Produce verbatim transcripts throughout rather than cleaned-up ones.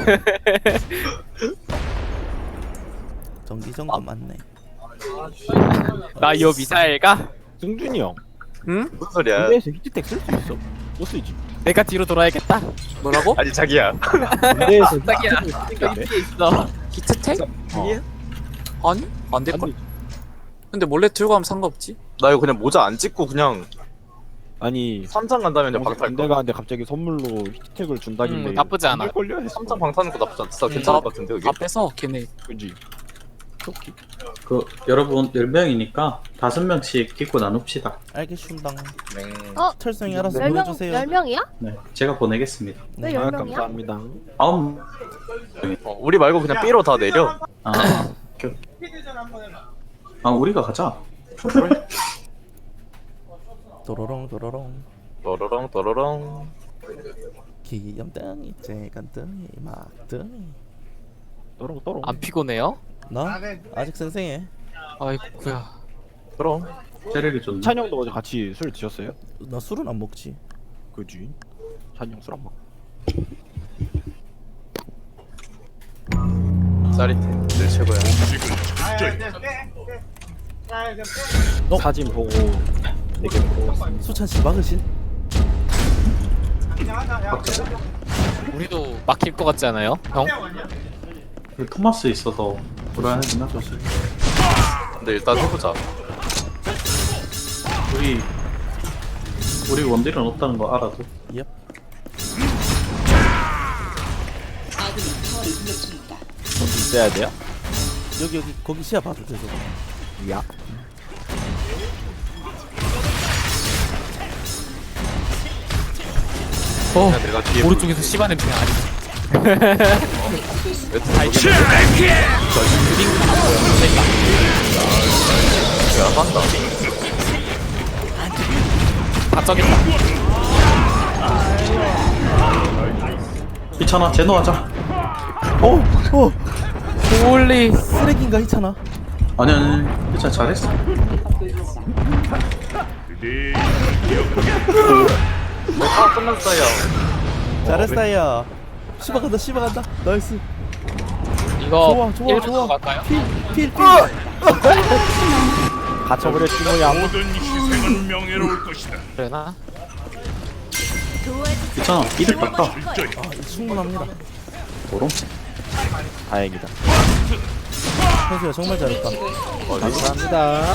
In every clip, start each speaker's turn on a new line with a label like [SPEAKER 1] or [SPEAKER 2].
[SPEAKER 1] 정기정도 맞네.
[SPEAKER 2] 나 이 미사일가?
[SPEAKER 3] 승준이 형
[SPEAKER 2] 응?
[SPEAKER 4] 무슨 소리야?
[SPEAKER 3] 군대에서 히트텍 쓸 수 있어? 못 쓰지.
[SPEAKER 2] 내가 뒤로 돌아야겠다. 뭐라고?
[SPEAKER 4] 아니 자기야.
[SPEAKER 3] 군대에서
[SPEAKER 2] 자기야.
[SPEAKER 3] 히트텍을 쓰는 게
[SPEAKER 2] 여기
[SPEAKER 3] 돼?
[SPEAKER 2] 뒤에 있어.
[SPEAKER 5] 히트텍?
[SPEAKER 3] 어.
[SPEAKER 5] 아니? 안 될걸?
[SPEAKER 3] 아니,
[SPEAKER 5] 근데 몰래 들고 가면 상관없지?
[SPEAKER 4] 나 이거 그냥 모자 안 찍고 그냥
[SPEAKER 3] 아니
[SPEAKER 4] 삼장 간다면 그냥 방탈
[SPEAKER 3] 군대
[SPEAKER 4] 거.
[SPEAKER 3] 가는데 갑자기 선물로 히트텍을 준다길래
[SPEAKER 2] 음, 나쁘지 않아.
[SPEAKER 3] 걸려 했어.
[SPEAKER 4] 삼장 방타는 거 나쁘지 않다.
[SPEAKER 5] 음,
[SPEAKER 4] 괜찮을
[SPEAKER 5] 나-
[SPEAKER 4] 것 같은데 여기.
[SPEAKER 5] 다 빼서 걔네
[SPEAKER 3] 그지.
[SPEAKER 6] 그 여러분 열 명이니까 다섯 명씩 끼고 나눕시다.
[SPEAKER 1] 알겠습니다.
[SPEAKER 4] 네.
[SPEAKER 7] 어?
[SPEAKER 1] 철성이 알아서
[SPEAKER 7] 열 명,
[SPEAKER 1] 보내주세요.
[SPEAKER 7] 열 명이야?
[SPEAKER 6] 네, 제가 보내겠습니다.
[SPEAKER 7] 왜
[SPEAKER 1] 네.
[SPEAKER 3] 아
[SPEAKER 7] 열 명이야?
[SPEAKER 3] 감사합니다.
[SPEAKER 6] 아홉.
[SPEAKER 4] 어, 우리 말고 그냥 B로 다 내려.
[SPEAKER 6] 아, 오케이, 오케이. 아 우리가 가자.
[SPEAKER 1] 도로롱 도로롱.
[SPEAKER 4] 또로롱 또로롱.
[SPEAKER 1] 귀염둥이 째간둥이 막둥이.
[SPEAKER 3] 또롱 또롱.
[SPEAKER 2] 안 피곤해요?
[SPEAKER 1] 나 아직 생생해.
[SPEAKER 2] 아이쿠야.
[SPEAKER 4] 그럼.
[SPEAKER 6] 체력이 좋네.
[SPEAKER 3] 찬영도 어제 같이 술 드셨어요?
[SPEAKER 1] 나 술은 안 먹지.
[SPEAKER 3] 그지. 찬영 술 안 먹.
[SPEAKER 4] 짜릿해. 늘 최고야.
[SPEAKER 1] 어?
[SPEAKER 3] 사진 보고 되게 부러웠습니다.
[SPEAKER 1] 수찬 씨 막으신?
[SPEAKER 2] 우리도 막힐 것 같지 않아요? 형?
[SPEAKER 6] 그 토마스 있어서 불안하긴 하죠.
[SPEAKER 4] 근데 일단 해보자.
[SPEAKER 6] 우리 우리 원딜은 없다는 거 알아도.
[SPEAKER 1] 옙.
[SPEAKER 3] 좀 있어야 돼요?
[SPEAKER 1] 여기 여기 거기 시야 봐도 돼 저거.
[SPEAKER 3] 야.
[SPEAKER 2] 어.
[SPEAKER 4] 그냥 내가 뒤에
[SPEAKER 2] 오른쪽에서 씨발 냄새 아니.
[SPEAKER 4] 아이씨. 야 한다.
[SPEAKER 2] 다 저겠다.
[SPEAKER 6] 이찬아 제노하자.
[SPEAKER 1] 어, 어,
[SPEAKER 2] 홀리.
[SPEAKER 1] 쓰레기인가 있잖아.
[SPEAKER 6] 아니 아니 이찬 잘했어.
[SPEAKER 4] 아 끝났어요.
[SPEAKER 1] 잘했어요. 씹어 간다, 씹어 간다. 나이스.
[SPEAKER 2] 이거
[SPEAKER 1] 좋아, 좋아,
[SPEAKER 2] 일 분
[SPEAKER 1] 좋아.
[SPEAKER 2] 갈까요?
[SPEAKER 1] 필, 필, 필.
[SPEAKER 3] 갇혀버렸지 뭐야.
[SPEAKER 8] 모든 희생은 명예로울 것이다.
[SPEAKER 2] 그래나?
[SPEAKER 6] 이찬아 이득 봤다.
[SPEAKER 1] 아, 충분합니다.
[SPEAKER 6] 도롱.
[SPEAKER 3] 다행이다.
[SPEAKER 1] 현수야 정말 잘했다.
[SPEAKER 3] 감사합니다.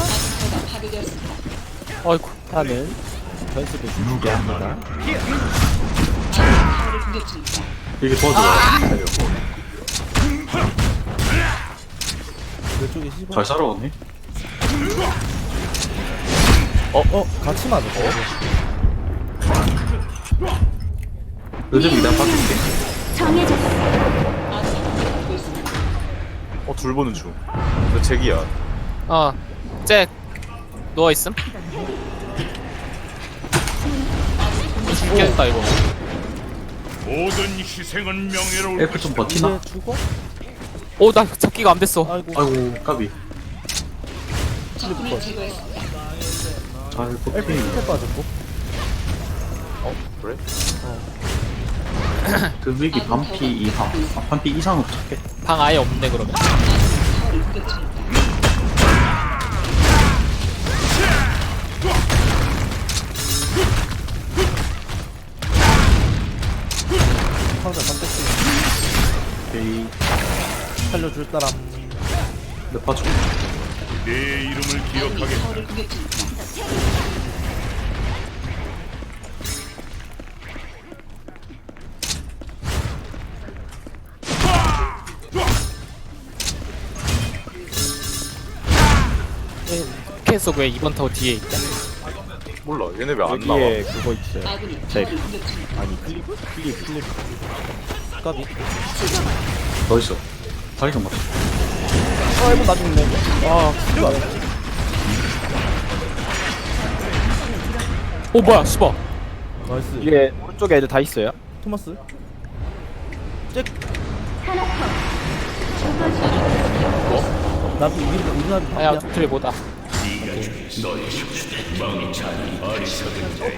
[SPEAKER 2] 어이쿠.
[SPEAKER 3] 하는 선수도 주게 합니다.
[SPEAKER 6] 이게 도와줘.
[SPEAKER 1] 왼쪽에 씹어.
[SPEAKER 6] 잘 살아오네.
[SPEAKER 1] 어, 어, 같이 맞았어.
[SPEAKER 6] 요즘 이단 바꿀게.
[SPEAKER 4] 어 둘 보는 중. 너 잭이야.
[SPEAKER 2] 어. 잭. 누워 있음. 죽겠다 이거.
[SPEAKER 8] 모든 희생은 명예로울
[SPEAKER 6] 엘프 좀 버티나?
[SPEAKER 1] 이제 죽어?
[SPEAKER 2] 오, 나 잡기가 안 됐어.
[SPEAKER 1] 아이고.
[SPEAKER 6] 아이고 까비. 잘
[SPEAKER 1] 엘프
[SPEAKER 6] 버티.
[SPEAKER 1] 밑에 빠졌고.
[SPEAKER 4] 어 그래?
[SPEAKER 6] 그 위기 반피 이상. 아, 반피 이상은 부탁해.
[SPEAKER 2] 방 아예 없네 그러면.
[SPEAKER 1] 상자 다 뺐지.
[SPEAKER 6] 오케이.
[SPEAKER 1] 살려줄 사람.
[SPEAKER 6] 몇 파죠?
[SPEAKER 8] 내 이름을 기억하겠다.
[SPEAKER 2] 계속 왜 이번 타워 뒤에 있대?
[SPEAKER 4] 몰라. 얘네 왜 안 나와?
[SPEAKER 3] 여기에 그거 있어요. 제 아니 클리프? 클리프 클리프.
[SPEAKER 1] 까비.
[SPEAKER 6] 더 있어. 다리 좀 맞춰.
[SPEAKER 3] 아 이거 나중에 내. 아
[SPEAKER 1] 이거
[SPEAKER 2] 오 뭐야 씨발.
[SPEAKER 1] 나이스.
[SPEAKER 3] 위에 오른쪽에 애들 다 있어요.
[SPEAKER 1] 토마스. 잭. 나도 우리 우리 나도
[SPEAKER 2] 아야
[SPEAKER 1] 바쁘냐?
[SPEAKER 2] 트레 뭐다.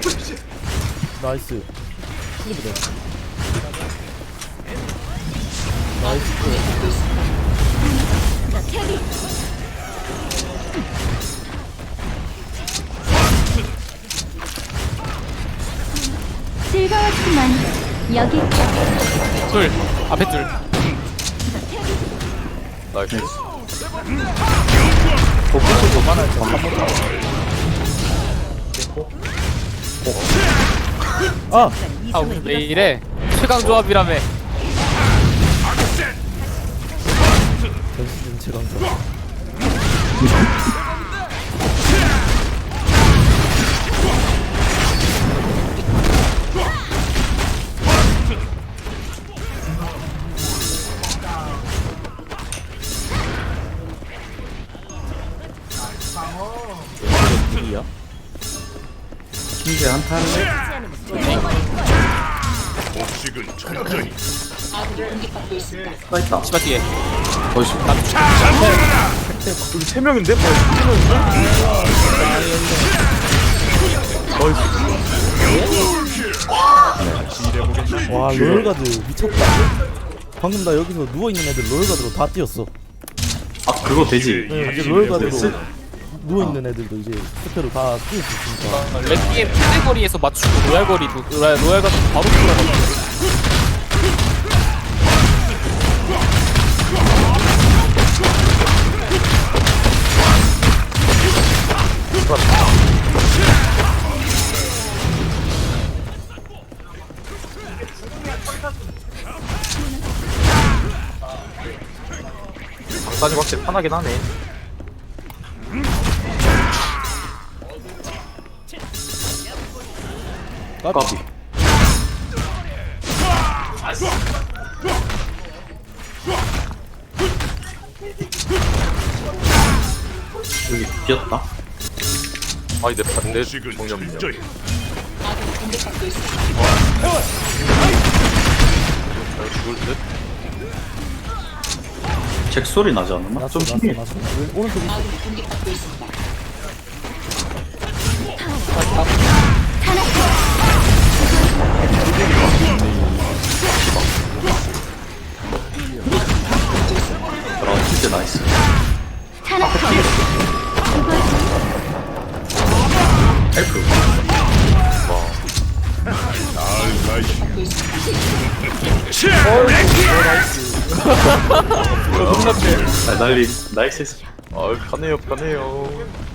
[SPEAKER 1] 나이스. 클리브 돼.
[SPEAKER 7] 즐거웠지만 여기
[SPEAKER 2] 둘 앞에 둘
[SPEAKER 4] 나이스.
[SPEAKER 1] 복붙을 못 만할 거 한번 아!
[SPEAKER 2] 아 우리 왜 이래 최강 조합이라며
[SPEAKER 1] 전신 최강자.
[SPEAKER 6] 이야 신기 한타 할래?
[SPEAKER 8] 복식은 천천히.
[SPEAKER 6] 가 있다.
[SPEAKER 2] 치마 뒤에
[SPEAKER 6] 어이씨.
[SPEAKER 4] 여기 세 명인데? 뭐야?
[SPEAKER 1] 와 롤가드 미쳤다. 방금 나 여기서 누워있는 애들 롤가드로 다 뛰었어.
[SPEAKER 6] 아 그거 되지.
[SPEAKER 1] 네, 이제 롤가드로
[SPEAKER 6] 됐어?
[SPEAKER 1] 누워있는 애들도 이제 스페로 다 뛸 수 있으니까.
[SPEAKER 2] 랩기에 피대거리에서 맞추고 로얄거리도 로얄, 로얄 같은 바로 들어가고
[SPEAKER 4] 방사님 확실히 편하긴 하네.
[SPEAKER 6] 까비. 여기 비었다.
[SPEAKER 4] 아니 내 반대
[SPEAKER 8] 복식은
[SPEAKER 4] 정념이야.
[SPEAKER 8] 철저히.
[SPEAKER 4] 잘 죽을 듯.
[SPEAKER 6] 잭 소리 나지 않았나?
[SPEAKER 1] 났어
[SPEAKER 6] 좀
[SPEAKER 1] 났어
[SPEAKER 6] 신기해.
[SPEAKER 1] 났어. 왼- 오른쪽 있어.
[SPEAKER 6] 아 진짜 나이스. 헬프. 아 날림. 나이스.
[SPEAKER 4] 아 편해요 편해요.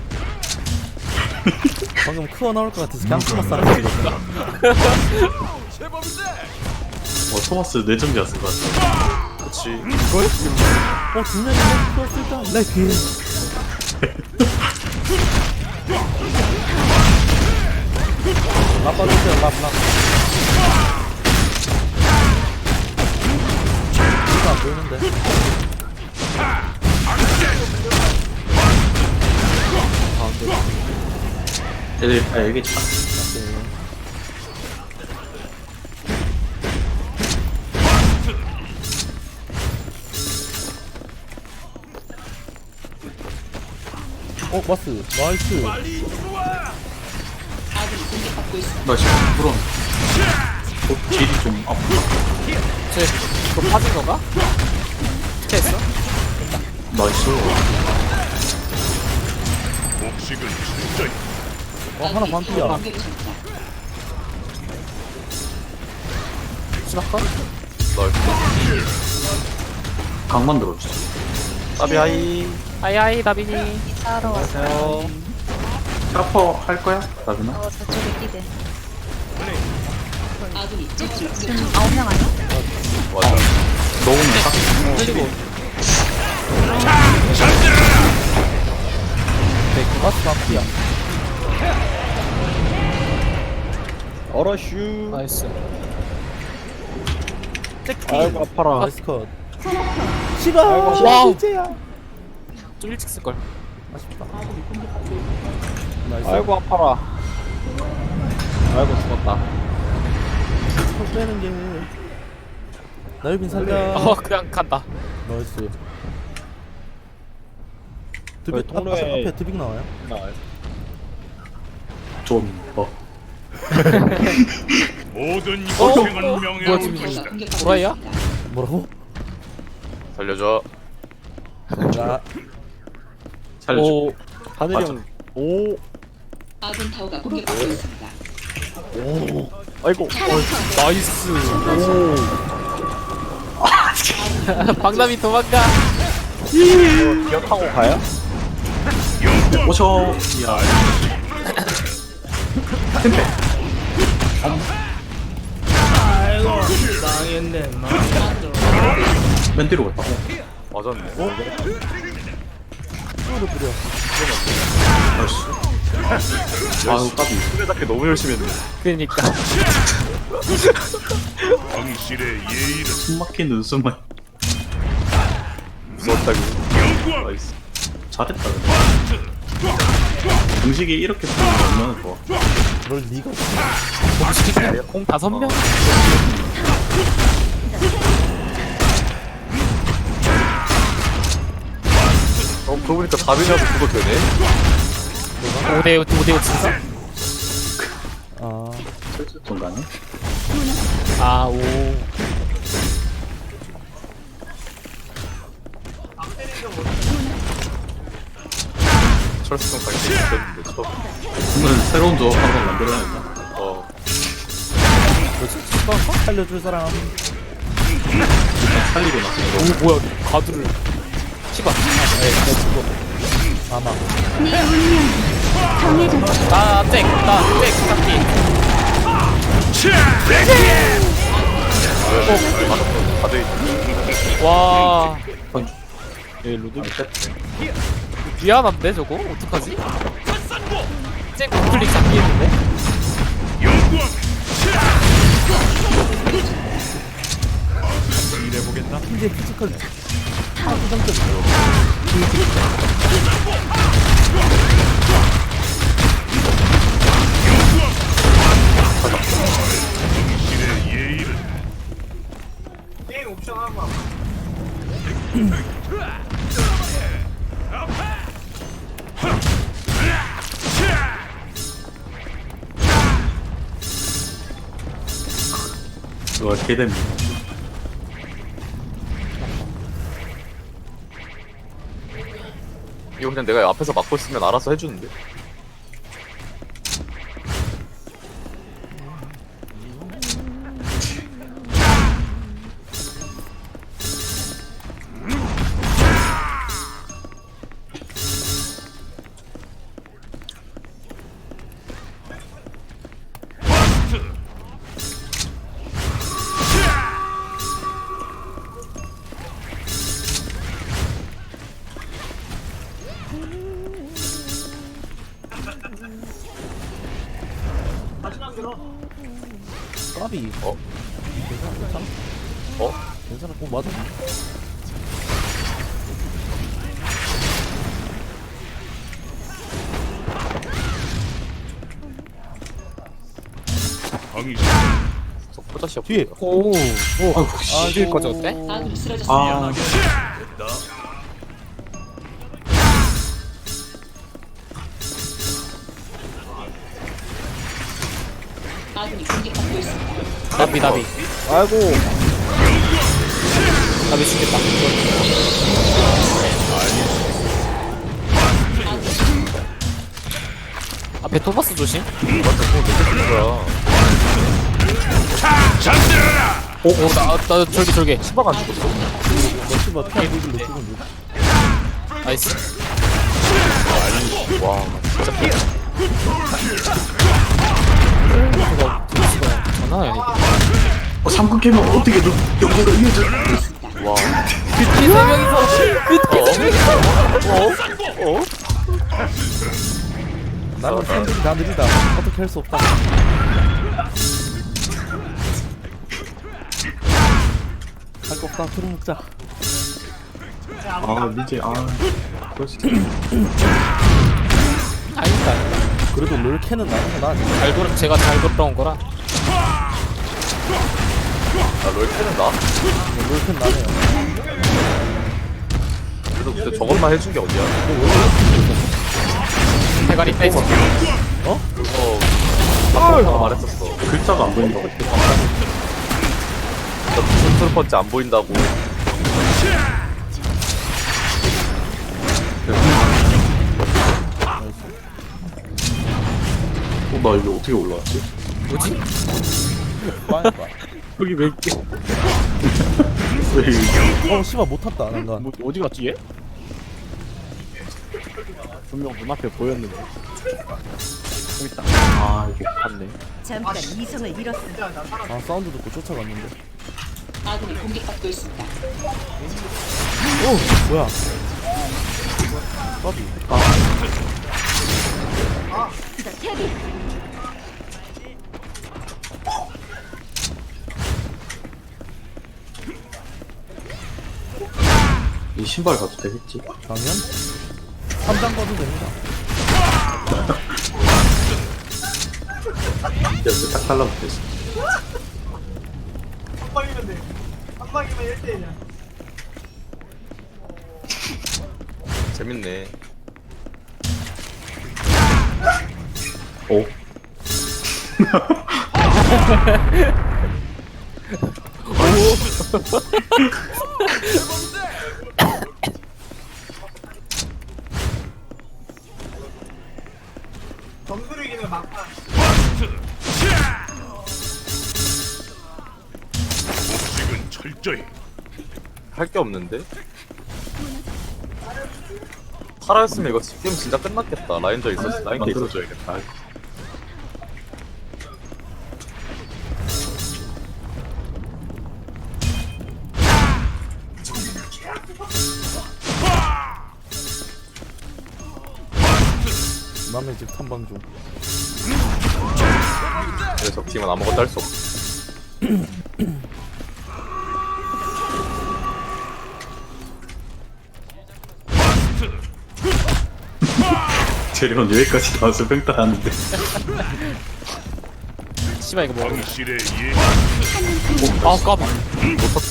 [SPEAKER 1] 방금 크어 나올 것 같아서 그냥 토마스 하나 찍었어.
[SPEAKER 6] 어 토마스 뇌정지 왔을 것 같아.
[SPEAKER 4] 그치.
[SPEAKER 1] 어 분명히 크어 쓸까? 나 그. 라빠주세요 랍랍. 이거 안 보이는데.
[SPEAKER 6] 얘들 아 여기 있다.
[SPEAKER 1] 어 마스 나이스.
[SPEAKER 6] 나이스. 부러운. 어 딜이 좀 아프다.
[SPEAKER 2] 쟤 그거 빠진 건가? 스트했어?
[SPEAKER 6] 나이스.
[SPEAKER 8] 복식은 철저히.
[SPEAKER 1] 어 하나 반피야.
[SPEAKER 2] 치마컷?
[SPEAKER 4] 나이스.
[SPEAKER 6] 강만 들어주세요.
[SPEAKER 4] 따비하이.
[SPEAKER 2] 아이아이 나비니
[SPEAKER 7] 따로 왔어요.
[SPEAKER 6] 트라퍼 할 거야? 나비나?
[SPEAKER 7] 어 저쪽에 뛰대. 지금 아홉 명 아니야?
[SPEAKER 4] 맞아.
[SPEAKER 6] 넣으면 딱.
[SPEAKER 2] 그리고
[SPEAKER 1] 네, 마스 반피야. 어러슈.
[SPEAKER 2] 나이스
[SPEAKER 1] 아이고 아파라. 나이스 컷. 시바.
[SPEAKER 2] 와우.
[SPEAKER 1] 이제야.
[SPEAKER 2] 좀 일찍 쓸걸
[SPEAKER 1] 아쉽다. 나이스. 아이고 아파라. 아이고 죽었다. 손 빼는 게. 나유빈 살려.
[SPEAKER 2] 어 그냥 간다
[SPEAKER 1] 나이스. 드빅 앞, 앞에, 앞에 드빅 나와요?
[SPEAKER 6] 좀 어.
[SPEAKER 8] 모든
[SPEAKER 2] 어?
[SPEAKER 8] 희생은
[SPEAKER 2] 어?
[SPEAKER 8] 명예로울
[SPEAKER 2] 뭐야,
[SPEAKER 8] 것이다.
[SPEAKER 2] 도라이야?
[SPEAKER 1] 뭐라고?
[SPEAKER 4] 살려줘.
[SPEAKER 1] 자,
[SPEAKER 6] 살려줘.
[SPEAKER 2] 오
[SPEAKER 3] 하늘이 형. 오.
[SPEAKER 9] 아군 타워가 공격받고 있습니다.
[SPEAKER 3] 아이고.
[SPEAKER 2] 나이스. 박남이 도망가.
[SPEAKER 3] 기억하고 가요?
[SPEAKER 6] 오셔. 야. 템페. 맨 뒤로 갔다.
[SPEAKER 4] 맞았네.
[SPEAKER 6] 나이스. 아우 까비.
[SPEAKER 4] 수레잡기 너무 열심히 했네.
[SPEAKER 2] 그러니까.
[SPEAKER 8] 당신의 예의는
[SPEAKER 6] 숨막힌 웃음을.
[SPEAKER 4] 무섭다고.
[SPEAKER 8] 영광.
[SPEAKER 4] 나이스.
[SPEAKER 6] 잘했다. 근데. 음식이 이렇게 보면 얼마나 좋아.
[SPEAKER 1] 널 니가
[SPEAKER 2] 공 다섯 명?
[SPEAKER 4] 어, 그러고 보니까 다빈이라도 그거 되네?
[SPEAKER 2] 오대 오대 진짜?
[SPEAKER 1] 아,
[SPEAKER 6] 슬슬 좀 가네.
[SPEAKER 2] 아 오.
[SPEAKER 4] 철수성 강제 있었는데, 처음.
[SPEAKER 6] 오늘 새로운 조합 한번 만들어야겠다.
[SPEAKER 4] 어,
[SPEAKER 1] 살려줄 사람.
[SPEAKER 6] 살리고 나서
[SPEAKER 2] 오 뭐야 가드를. 씨발.
[SPEAKER 1] 아마.
[SPEAKER 7] 네 운명 정해졌어.
[SPEAKER 2] 나잭나잭 잡기.
[SPEAKER 4] 다들
[SPEAKER 2] 와
[SPEAKER 3] 예, 루드.
[SPEAKER 2] 미안한데 저거 어떡하지? 잭 클릭 잡기 했는데.
[SPEAKER 8] 영광.
[SPEAKER 1] 이제 피지컬 하부장점이에요.
[SPEAKER 8] 당신의 예의는
[SPEAKER 6] 이거 개됩니다.
[SPEAKER 4] 이거 그냥 내가 앞에서 막고 있으면 알아서 해주는데?
[SPEAKER 1] 까비.
[SPEAKER 4] 어?
[SPEAKER 1] 괜찮아, 괜찮아.
[SPEAKER 4] 어?
[SPEAKER 1] 괜찮아, 꼭 맞아.
[SPEAKER 8] 당신
[SPEAKER 4] 포자시아
[SPEAKER 1] 뒤에.
[SPEAKER 2] 오.
[SPEAKER 6] 아이고 씨.
[SPEAKER 2] 아 뒤에 거지 어때?
[SPEAKER 9] 아군이 쓰러졌습니다.
[SPEAKER 6] 아,
[SPEAKER 9] 아군이 공격받고 있습니다.
[SPEAKER 2] 나비 나비.
[SPEAKER 3] 아이고.
[SPEAKER 2] 나비 죽겠다. 앞에 토마스 조심.
[SPEAKER 4] 뭐야?
[SPEAKER 2] 오, 오, 나, 나, 절개, 절개.
[SPEAKER 4] 수박 안 죽었어?
[SPEAKER 1] 너씨바 피한 누굴 놓치고 누
[SPEAKER 2] 나이스.
[SPEAKER 4] 와, 진짜
[SPEAKER 2] 이거, 이거, 장난 아니야,
[SPEAKER 6] 어, 삼 급 깨면 어떻게 너 연구가 이어져?
[SPEAKER 4] 와.
[SPEAKER 2] 이게. 세 명이서,
[SPEAKER 4] 어?
[SPEAKER 1] 나는 팬들이 다 느리다. 어떻게 할 수 없다. 할 거 없다. 들어 먹자.
[SPEAKER 6] 아 미제 아 그럴 수 있어.
[SPEAKER 2] 아니다.
[SPEAKER 1] 그래도 롤캔은 나는 거 나.
[SPEAKER 2] 잘 돌아, 제가 잘 돌아온 거라.
[SPEAKER 4] 나 롤캐는 나?
[SPEAKER 1] 롤캔 나네요.
[SPEAKER 4] 그래도 그때 저것만 해준 게 어디야?
[SPEAKER 2] 대가리 빼서.
[SPEAKER 4] 그거 아빠가 말했었어.
[SPEAKER 6] 글자가 안 보인다고.
[SPEAKER 4] 나 무슨 트루펀치 안 보인다고.
[SPEAKER 6] 어, 나 이거 어떻게 올라왔지?
[SPEAKER 2] 뭐지?
[SPEAKER 3] 여기 왜 있게?
[SPEAKER 6] 왜 이게?
[SPEAKER 1] 어 씨발 못 탔다 난간.
[SPEAKER 3] 뭐 어디 갔지 얘? 분명 눈앞에 보였는데. 여기 있다. 아 이거 갔네.
[SPEAKER 7] 잠깐 이성을 잃었습니다.
[SPEAKER 1] 아 사운드 듣고 쫓아갔는데.
[SPEAKER 9] 아군이 공격받고 있습니다.
[SPEAKER 1] 오 뭐야? 까비.
[SPEAKER 6] 이 신발 가도 되겠지?
[SPEAKER 1] 당연. 삼 장 꺼도 됩니다.
[SPEAKER 6] 이제 딱 달라붙어있어.
[SPEAKER 4] 재밌네.
[SPEAKER 6] 오.
[SPEAKER 8] 복식은 철저히.
[SPEAKER 4] 할 게 없는데? 살아있으면 이거 게임 진짜 끝났겠다. 라인저 있었어. 라인 게 있어줘야겠다.
[SPEAKER 1] 남의 집 탐방 중.
[SPEAKER 4] 그래서 적팀은 아무것도 할 수 없어.
[SPEAKER 6] 재료는 여기까지 나와서 뺑따 하는데.
[SPEAKER 2] 씨발 이거 뭐
[SPEAKER 8] 당신의 예
[SPEAKER 2] 아 까비
[SPEAKER 4] 못 탔다.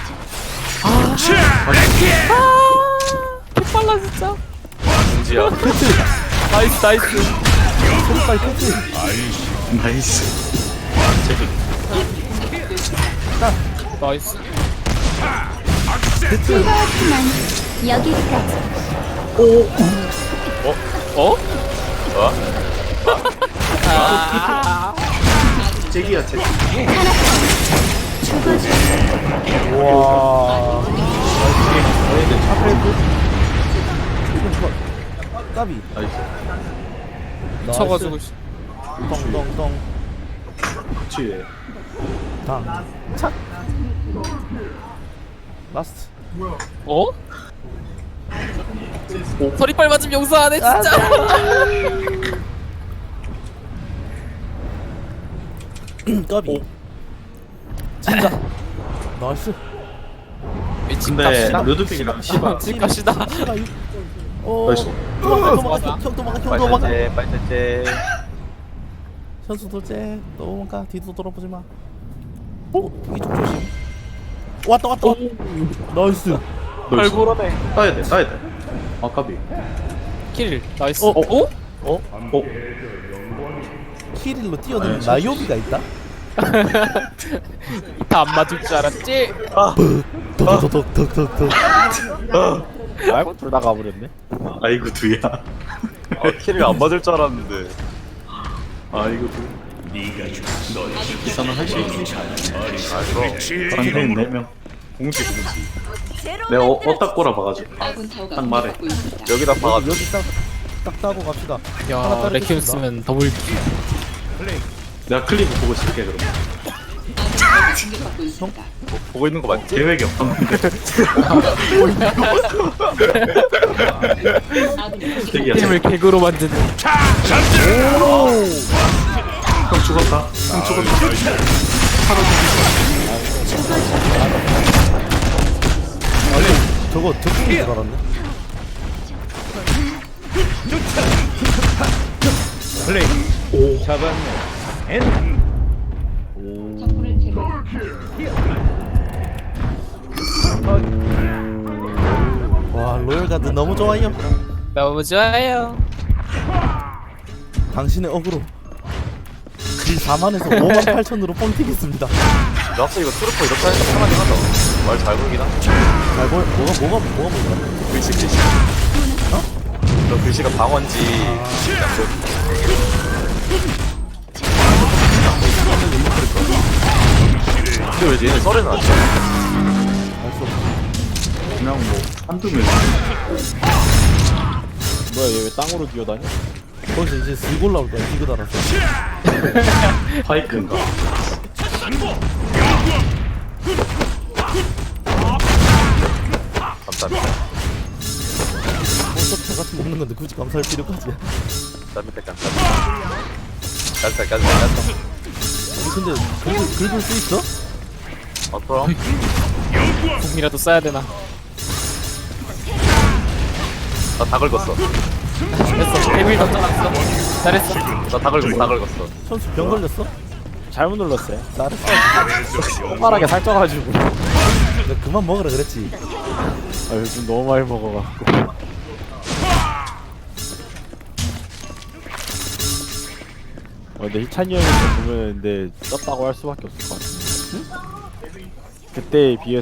[SPEAKER 2] 개빨라 진짜
[SPEAKER 4] 공지야.
[SPEAKER 2] 나이스 나이스
[SPEAKER 1] 소리빨 캐치.
[SPEAKER 6] 나이스.
[SPEAKER 2] 나이스
[SPEAKER 7] 그렇지만 여기까지.
[SPEAKER 2] 어?
[SPEAKER 4] 뭐야?
[SPEAKER 6] 잭이야 잭.
[SPEAKER 7] 죽어줘.
[SPEAKER 1] 와. 나이스. 차페이크. 까비.
[SPEAKER 6] 나이스.
[SPEAKER 2] 쳐가지고 씨.
[SPEAKER 1] 덩덩덩.
[SPEAKER 6] 그치.
[SPEAKER 1] 당. 착. 라스트.
[SPEAKER 2] 어? 서리빨 맞으면 용서 안 해 진짜
[SPEAKER 1] 까비. 진짜. 나이스.
[SPEAKER 2] 미친
[SPEAKER 6] 근데
[SPEAKER 2] 값이다
[SPEAKER 6] 루드빅이랑 시바.
[SPEAKER 2] 미친 값이다
[SPEAKER 1] 어.
[SPEAKER 6] 나이스.
[SPEAKER 1] 도망가 도망가 형 도망가 형 도망가.
[SPEAKER 4] 빨리 빨리.
[SPEAKER 1] 현수 돌제 도망가 뒤도 돌아보지 마. 오 이쪽 조심. 왔다 왔다. 나이스.
[SPEAKER 6] 발굴하네. 따야 돼 따야 돼. 아 까비.
[SPEAKER 2] 킬 나이스
[SPEAKER 1] 어,
[SPEAKER 2] 어?
[SPEAKER 6] 어? 어?
[SPEAKER 1] 키릴로 뛰어드는
[SPEAKER 6] 네,
[SPEAKER 1] 나요비가 있다.
[SPEAKER 2] 다 안 맞을 줄 알았지?
[SPEAKER 1] 덕덕덕덕덕덕.
[SPEAKER 3] 아이고 둘 다 가버렸네.
[SPEAKER 6] 아이고 두야.
[SPEAKER 4] 아, 킬을 안 맞을 줄 알았는데.
[SPEAKER 6] 아이고 두. 이사는 할 수 있지.
[SPEAKER 8] 빛의
[SPEAKER 6] 상대인 네 명. 공지 공지. 내가 어, 어디다 꼬라봐가지고.
[SPEAKER 9] 아군 타워가
[SPEAKER 6] 딱 말해.
[SPEAKER 9] 공격받고 있습니다.
[SPEAKER 4] 여기다 박아줘.
[SPEAKER 1] 여기 딱딱 따고 갑시다. 하나
[SPEAKER 2] 야
[SPEAKER 1] 따로
[SPEAKER 2] 레키움
[SPEAKER 1] 뜯습니다.
[SPEAKER 2] 쓰면 더블
[SPEAKER 6] 내가 클립 보고 있을게 그럼.
[SPEAKER 9] 아군 타워가 공격받고 있습니다.
[SPEAKER 4] 보고 있는 거 맞지?
[SPEAKER 6] 계획이 없었는데.
[SPEAKER 9] 아군이
[SPEAKER 6] 잭이야
[SPEAKER 2] 게임을
[SPEAKER 6] 잭.
[SPEAKER 2] 개그로 만드는
[SPEAKER 6] 형 죽었다. 형 죽었다.
[SPEAKER 1] 저거 적중인 줄 알았네.
[SPEAKER 9] 적군을 제거.
[SPEAKER 1] 와 로열가드 너무 좋아요.
[SPEAKER 2] 너무 좋아요
[SPEAKER 1] 당신의 어그로 사만에서 오만 팔천으로 뻥 튀겠습니다.
[SPEAKER 4] 나 확실히 이거 트루퍼 이렇게 하니까 편하긴 하다. 말 잘 보이긴 하네.
[SPEAKER 1] 잘 볼, 뭐가, 뭐가, 뭐가 뭐가?
[SPEAKER 4] 글씨 글씨. 어? 너 글씨가 방언지. 근데 왜 얘네 썰에는 안 쳐?
[SPEAKER 1] 알수 없어.
[SPEAKER 6] 그냥 뭐 한두 명.
[SPEAKER 3] 뭐야 얘 왜 땅으로 기어다녀?
[SPEAKER 1] 거기서 이제 슬 올라올 거야, 디그 달아서.
[SPEAKER 6] 파이크인가?
[SPEAKER 4] 감사합니다.
[SPEAKER 1] 어차피 다 같이 먹는 건데 굳이 감사할 필요까지야.
[SPEAKER 4] 감사합니다. 감사합니다. 깐살 깐살 깐살.
[SPEAKER 1] 아니, 근데 긁을, 긁을 수 있어?
[SPEAKER 4] 아 그럼?
[SPEAKER 2] 궁이라도 써야 되나?
[SPEAKER 4] 나 다 긁었어.
[SPEAKER 2] 됐어. 데빌 던져놨어. 잘했어.
[SPEAKER 4] 나 다 긁었어. 다 긁었어.
[SPEAKER 1] 선수 병 걸렸어?
[SPEAKER 3] 잘못 눌렀어요.
[SPEAKER 1] 잘했어.
[SPEAKER 3] 손가락에 살쪄가지고.
[SPEAKER 1] 내가 그만 먹으라 그랬지.
[SPEAKER 3] 아 요즘 너무 많이 먹어갖고. 어, 근데 희찬이 형이 보면 근데 쪘다고 할 수밖에 없을 것 같은데. 그때에 비해서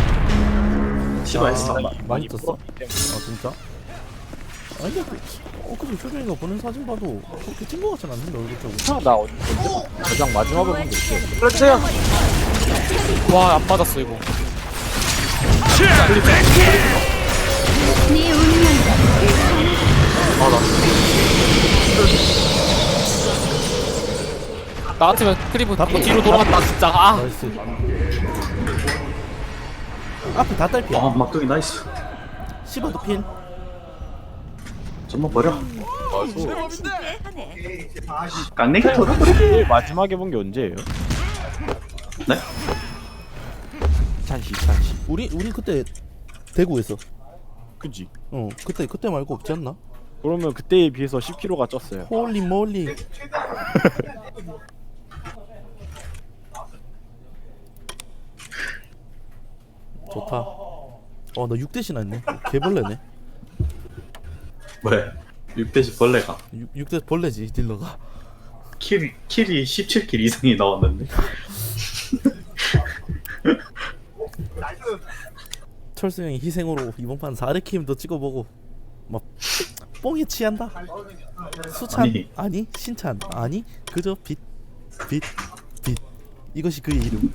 [SPEAKER 6] 시바했어.
[SPEAKER 1] 마, 많이 쪘어? 아 진짜? 아니 근데 어 근데 표정이가 보낸 사진 봐도 그렇게 찐거 같진 않는데 얼굴 쪽은.
[SPEAKER 3] 나 언제 가장 마지막에 본 게 있어요.
[SPEAKER 4] 불러주세요.
[SPEAKER 2] 와, 안 맞았어, 이거.
[SPEAKER 7] 네 운명
[SPEAKER 2] 나 같으면 크리브
[SPEAKER 1] 다
[SPEAKER 2] 이거 뒤로 돌아갔다, 진짜. 아,
[SPEAKER 1] 나이스. 앞에 다 딸피야.
[SPEAKER 6] 아 막둥이 나이스.
[SPEAKER 1] 씹어도 핀.
[SPEAKER 6] 좀만 버려.
[SPEAKER 4] 나이스.
[SPEAKER 6] 깡내기 털어.
[SPEAKER 3] 제일 마지막에 본 게 언제예요?
[SPEAKER 6] 네?
[SPEAKER 3] 찬시 찬시.
[SPEAKER 1] 우리 우리 그때 대구에서.
[SPEAKER 3] 그지?
[SPEAKER 1] 어 그때 그때 말고 없지 않나?
[SPEAKER 3] 그러면 그때에 비해서 십 킬로그램가 쪘어요.
[SPEAKER 1] 홀리 몰리. 좋다. 어 나 육 대시나 했네. 개벌레네.
[SPEAKER 6] 왜? 육 대시 벌레가.
[SPEAKER 1] 육 대 벌레지 딜러가.
[SPEAKER 6] 킬, 킬이 십칠 킬 이상이 나왔는데.
[SPEAKER 1] 철수 형이 희생으로 이번 판 사 레퀴엠도 찍어보고 막 뽕에 취한다. 수찬 아니,
[SPEAKER 6] 아니.
[SPEAKER 1] 신찬 아니 그저 빛 빛 빛 이것이 그의 이름.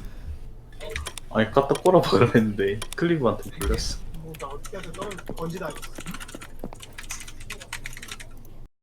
[SPEAKER 6] 아니 갖다 꼬라박으려 했는데 클리브한테 불렸어.